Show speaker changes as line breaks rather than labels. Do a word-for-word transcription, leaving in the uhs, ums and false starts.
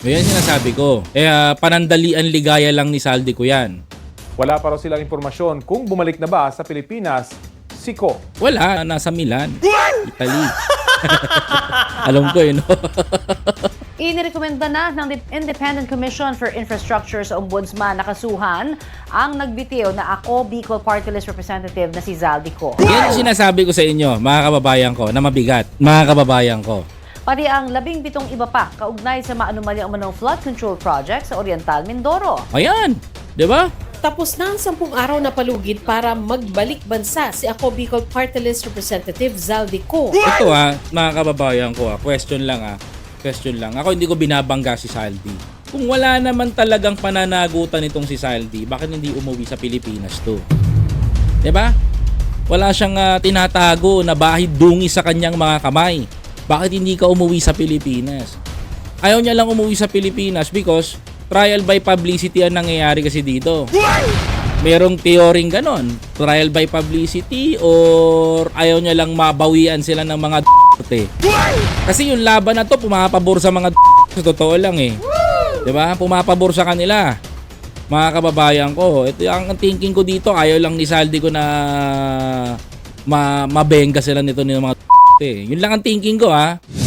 Yan sinasabi ko. Eh, ah, panandalian ligaya lang ni Saldi ko yan.
Wala pa raw silang impormasyon kung bumalik na ba sa Pilipinas si Ko.
Wala, nasa Milan, Italy. Alam ko eh, no?
Inirekomenda na ng Independent Commission for Infrastructure sa Ombudsman na kasuhan ang nagbitiw na Ako Bicol Party List Representative na si Zaldi Co.
Yan ang sinasabi ko sa inyo, mga kababayan ko, na mabigat. Mga kababayan ko.
Pati ang labing pitong iba pa kaugnay sa maanumalyang umanong flood control project sa Oriental Mindoro.
Ayan, di ba?
Tapos na ang sampung araw na palugid para magbalik bansa si Ako Bicol Party List Representative Zaldi Co.
Ito ha, mga kababayan ko ha, question lang ha. Question lang. Ako hindi ko binabangga si Saldi. Kung wala naman talagang pananagutan itong si Saldi, bakit hindi umuwi sa Pilipinas to? Diba? Wala siyang uh, tinatago na bahid dungi sa kanyang mga kamay. Bakit hindi ka umuwi sa Pilipinas? Ayaw niya lang umuwi sa Pilipinas because trial by publicity ang nangyayari kasi dito. Merong teoring ganon. Trial by publicity or ayaw niya lang mabawian sila ng mga d***te. Kasi yung laban na to pumapabor sa mga d***te. Sa totoo lang eh. Diba? Pumapabor sa kanila. Mga kababayan ko. Ito ang thinking ko dito. Ayaw lang ni Saldi ko na ma mabenga sila nito ng mga d***te. Yun lang ang thinking ko ha.